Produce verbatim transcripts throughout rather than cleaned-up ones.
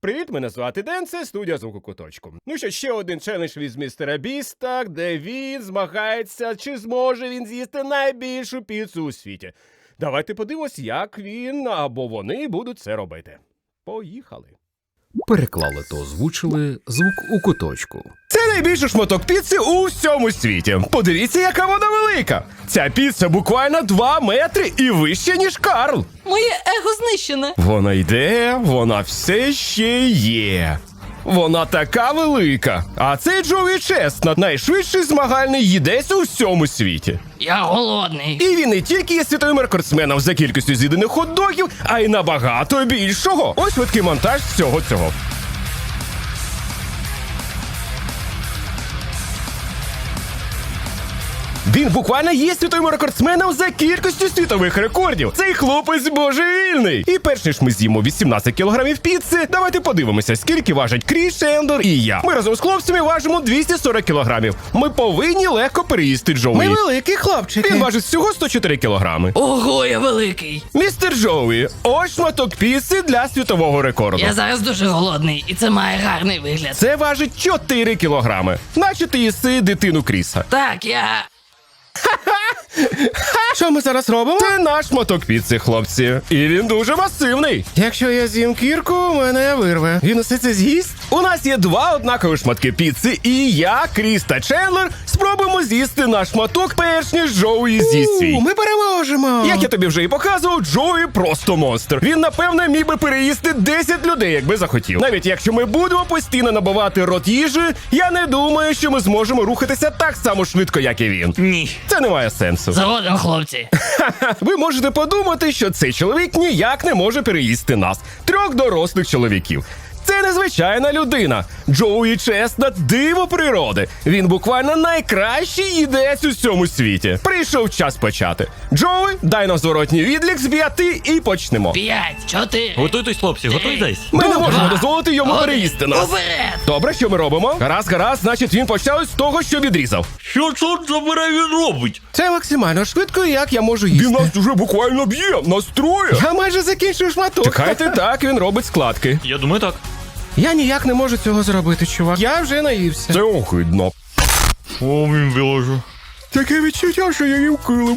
Привіт, мене звати Ден, це студія звуку куточку. Ну що, ще один челендж від містера Біста, де він змагається, чи зможе він з'їсти найбільшу піцу у світі. Давайте подивимось, як він або вони будуть це робити. Поїхали. Переклали та озвучили звук у куточку. Це найбільший шматок піци у всьому світі. Подивіться, яка вона велика. Ця піца буквально два метри і вище, ніж Карл. Моє его знищене. Вона йде, вона все ще є. Вона така велика. А цей Джоуі Честнат, найшвидший змагальний їдець у всьому світі. Я голодний. І він не тільки є світовим рекордсменом за кількістю з'їдених хот-догів, а й набагато більшого. Ось швидкий монтаж всього цього. Він буквально є світовим рекордсменом за кількістю світових рекордів. Цей хлопець божевільний. І перш ніж ми з'їмо вісімнадцять кілограмів піци, давайте подивимося, скільки важать Кріс, Ендор і я. Ми разом з хлопцями важимо двісті сорок кілограмів. Ми повинні легко переїсти Джоуі. Ми великі хлопчики. Він важить всього сто чотири кілограми. Ого, я великий. Містер Джоуі, ось шматок піци для світового рекорду. Я зараз дуже голодний, і це має гарний вигляд. Це важить чотири кілограми. Наче ти їси дитину Кріса. Так, я... Що ми зараз робимо? Це наш шматок піци, хлопці. І він дуже масивний. Якщо я з'їм кірку, мене вирве. Він усе це з'їсть? У нас є два однакові шматки піци, і я, Кріс та Чендлер спробуємо з'їсти наш шматок, перш ніж Джоуі з'їсть свій. У, ми переможемо. Як я тобі вже і показував, Джоуі просто монстр. Він, напевно, міг би переїсти десять людей, якби захотів. Навіть якщо ми будемо постійно набивати рот їжі, я не думаю, що ми зможемо рухатися так само швидко, як і він. Ні. Це не має сенсу. Згодом, хлопці. Ви можете подумати, що цей чоловік ніяк не може переїсти нас, трьох дорослих чоловіків. Це незвичайна людина. Джоуі Честнат – диво природи. Він буквально найкращий їдець у всьому світі. Прийшов час почати. Джоуі, дай нам зворотній відлік з п'яти і почнемо. П'ять, чотири. Готуйтесь, хлопці, готуйтесь. Ми не Два, можемо дозволити йому один. переїсти нас. Уперед! Добре, що ми робимо? Гаразд, гаразд, значить він почав з того, що відрізав. Що чорт забирай він робить? Це максимально швидко, як я можу їсти. Він нас уже буквально б'є, настроє. Я майже закінчив шматок. Чекайте, так, він робить складки. Я думаю так. Я ніяк не можу цього зробити, чувак. Я вже наївся. Це огидно. О, він вилажу. Таке відчуття, що я їм килим.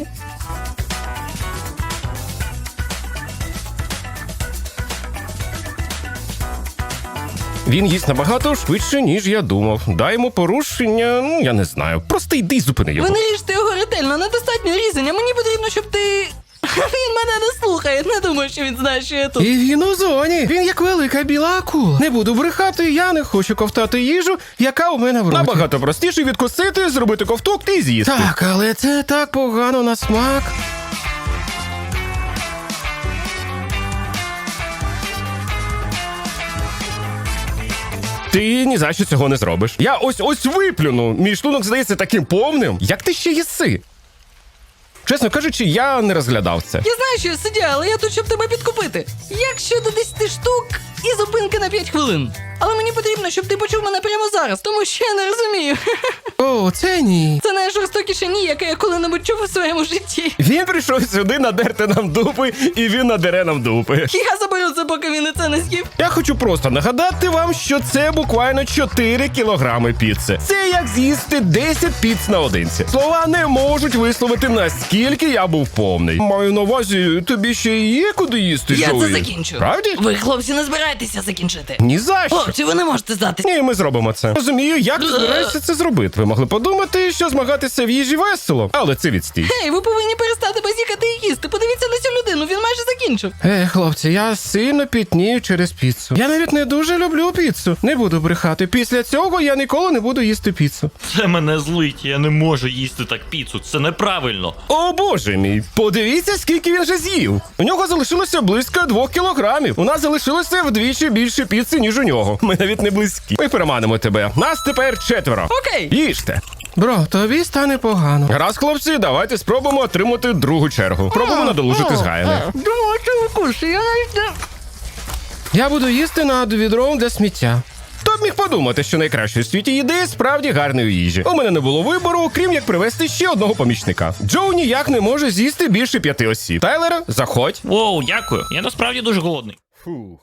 Він їсть набагато швидше, ніж я думав. Дай йому порушення, ну, я не знаю. Просто йди й зупини його. Ви не ріжте його ретельно, недостатньо різання. Мені потрібно, щоб ти... Він мене не слухає, не думаю, що він знає, що я тут. І він у зоні. Він як велика біла акула. Не буду брехати, я не хочу ковтати їжу, яка у мене в роті. Набагато простіше відкусити, зробити ковток і з'їсти. Так, але це так погано на смак. Ти ні за що цього не зробиш. Я ось-ось виплюну. Мій шлунок здається таким повним. Як ти ще їси? Чесно кажучи, я не розглядав це. Я знаю, що я сидю, але я тут, щоб тебе підкупити. Як щодо десяти штук і зупинки на п'ять хвилин. Але мені потрібно, щоб ти почув мене прямо зараз, тому що я не розумію. О, це ні. Це найжорстокіше ні, яке я коли-небудь чув у своєму житті. Він прийшов сюди надерти нам дупи, і він надере нам дупи. Я заберу це, поки він і це не з'їв. Я хочу просто нагадати вам, що це буквально чотири кілограми піци. Це як з'їсти десять піц наодинці. Слова не можуть висловити, наскільки я був повний. Маю на увазі, тобі ще є куди їсти, Я Джоуі? це закінчу. Правді? Ви, хлопці, не збираєтеся закінчити. Ні за що. Хлопці, ви не можете здатись. Ні, ми зробимо це. Розумію, як ти збираєшся це зробити. Ви могли подумати, що змагатися в їжі весело, але це відстій. Ей, ви повинні перестати базікати і їсти. Подивіться на цю людину, він майже закінчив. Е, хлопці, я сильно пітнію через піцу. Я навіть не дуже люблю піцу. Не буду брехати. Після цього я ніколи не буду їсти піцу. Це мене злить, я не можу їсти так піцу, це неправильно. О боже мій, подивіться, скільки він вже з'їв. У нього залишилося близько двох кілограмів. У нас залишилося вдвічі більше піци, ніж у нього. Ми навіть не близькі. Ми переманимо тебе. Нас тепер четверо. Окей. Їжте. Бро, тобі стане погано. Раз, хлопці, давайте спробуємо отримати другу чергу. Пробуємо надолужити згаяне. Думаю, це вкусно, я навіть не... Я буду їсти над відром для сміття. Хто б міг подумати, що найкраще у світі їди справді гарної їжі. У мене не було вибору, крім як привезти ще одного помічника. Джоу ніяк не може з'їсти більше п'яти осіб. Тайлера, заходь. Воу, дякую, я насправді дуже голодний. Фух.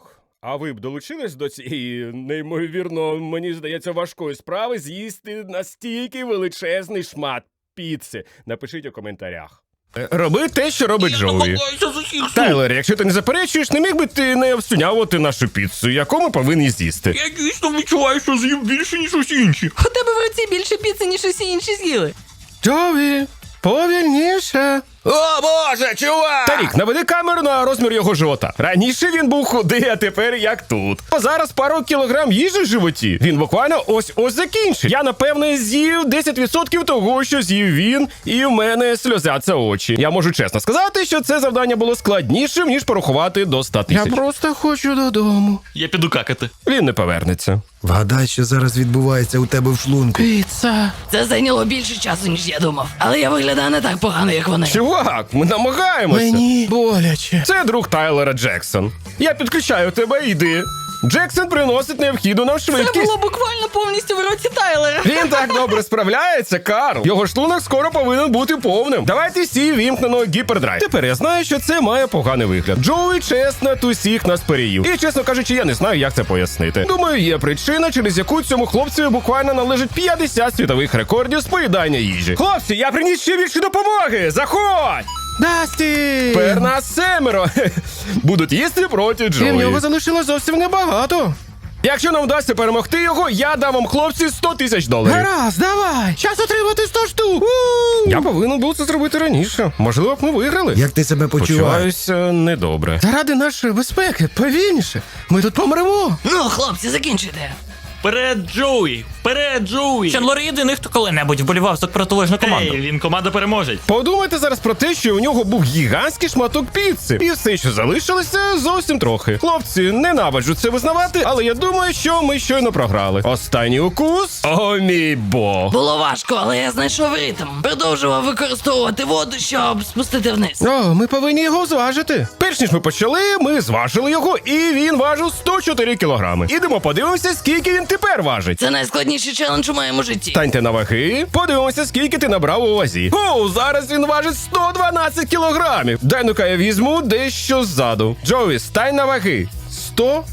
А ви б долучились до цієї, неймовірно, мені здається, важкої справи з'їсти настільки величезний шмат піци? Напишіть у коментарях. Е, Роби те, що робить Джоуі. Намагаюся з усіх сил. Тайлер, якщо ти не заперечуєш, не міг би ти не обсунявати нашу піцу, яку ми повинні з'їсти? Я дійсно відчуваю, що з'їв більше, ніж усі інші. У тебе в руці більше піци, ніж усі інші з'їли. Джоуі, повільніше. О, боже, чувак! Тарік, наведи камеру на розмір його живота. Раніше він був худий, а тепер як тут. А зараз пару кілограм їжі в животі. Він буквально ось-ось закінчить. Я, напевне, з'їв десять відсотків того, що з'їв він, і в мене сльозяться очі. Я можу чесно сказати, що це завдання було складнішим, ніж порахувати до ста Я тисяч. просто хочу додому. Я піду какати. Він не повернеться. Вгадай, що зараз відбувається у тебе в шлунку. Піца. Це зайняло більше часу, ніж я думав. Але я виглядаю не так погано, як вони. Чувак, ми намагаємося. Мені боляче. Це друг Тайлера Джексон. Я підключаю тебе, йди. Джексон приносить необхідну нам Це швидкість. було буквально повністю в році Тайлера. Він так добре справляється, Карл. Його шлунок скоро повинен бути повним. Давайте всі вімкнено гіпердрайв. Тепер я знаю, що це має поганий вигляд. Джоуі Чеснот усіх нас переїв. І, чесно кажучи, я не знаю, як це пояснити. Думаю, є причина, через яку цьому хлопцеві буквально належить п'ятдесят світових рекордів з поїдання їжі. Хлопці, я приніс ще більше допомоги! Заходь! Дасті! Тепер нас семеро. Будуть їсти проти І в Джоуі. нього залишилось зовсім небагато. Якщо нам вдасться перемогти його, я дам вам, хлопці, сто тисяч доларів. Гаразд, давай! Час отримати сто штук! Я повинен був це зробити раніше. Можливо б ми виграли. Як ти себе почуваєш? Почуваюся недобре. Заради нашої безпеки, повільніше. Ми тут помремо. Ну, хлопці, закінчуйте. Вперед, Джоуі! Вперед, Джоуі! Чендлер єдиний, хто коли-небудь вболівав за протилежну команду. Ей, він команда переможе. Подумайте зараз про те, що у нього був гігантський шматок піци. І все, що залишилося, зовсім трохи. Хлопці, ненавиджу це визнавати, але я думаю, що ми щойно програли. Останній укус. О, мій бог. Було важко, але я знайшов ритм. Продовжував використовувати воду, щоб спустити вниз. О, ми повинні його зважити. Перш ніж ми почали, ми зважили його, і він важив сто чотири кілограми. Ідемо подивимося, скільки він тепер важить. Це найскладніший челендж у моєму житті. Станьте на ваги, подивимося, скільки ти набрав у вазі. О, зараз він важить сто дванадцять кілограмів. Дай ну-ка я візьму дещо ззаду. Джоуі, стань на ваги. сто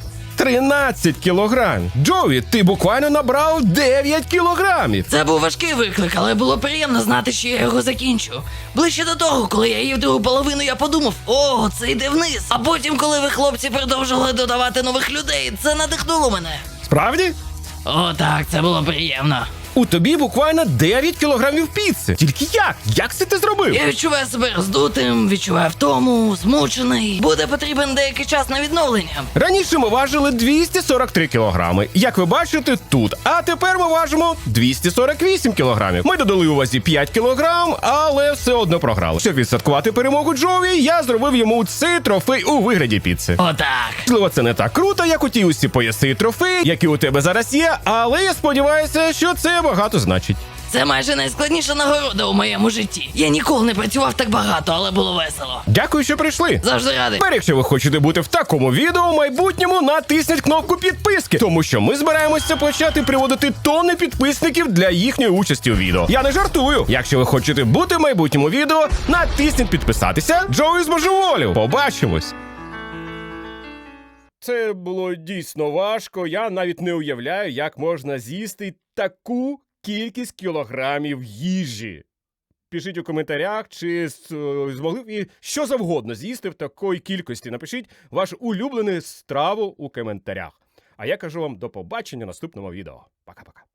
тринадцять кілограмів. Джоуі, ти буквально набрав дев'ять кілограмів. Це був важкий виклик, але було приємно знати, що я його закінчу. Ближче до того, коли я їв другу половину, я подумав, о, це йде вниз. А потім, коли ви, хлопці, продовжували додавати нових людей, це надихнуло мене. Справді? О, так, це було приємно. У тобі буквально дев'ять кілограмів піци. Тільки як? Як це ти зробив? Я відчуваю себе роздутим, відчуваю втому, змучений. Буде потрібен деякий час на відновлення. Раніше ми важили двісті сорок три кілограми, як ви бачите тут. А тепер ми важимо двісті сорок вісім кілограмів. Ми додали у вазі п'ять кілограм, але все одно програли. Щоб відсвяткувати перемогу Джоуі, я зробив йому цей трофей у вигляді піци. Отак. Можливо, це не так круто, як у ті усі пояси і трофеї, які у тебе зараз є, але я сподіваюся, що це багато значить. Це майже найскладніша нагорода у моєму житті. Я ніколи не працював так багато, але було весело. Дякую, що прийшли. Завжди радий. Тепер, якщо ви хочете бути в такому відео в майбутньому, натисніть кнопку підписки, тому що ми збираємося почати приводити тонни підписників для їхньої участі у відео. Я не жартую. Якщо ви хочете бути в майбутньому відео, натисніть підписатися. Джоуі збожеволів. Побачимось. Це було дійсно важко. Я навіть не уявляю, як можна з'їсти таку кількість кілограмів їжі. Пишіть у коментарях, чи з- змогли б і що завгодно з'їсти в такої кількості. Напишіть вашу улюблену страву у коментарях. А я кажу вам до побачення в наступному відео. Пока-пока.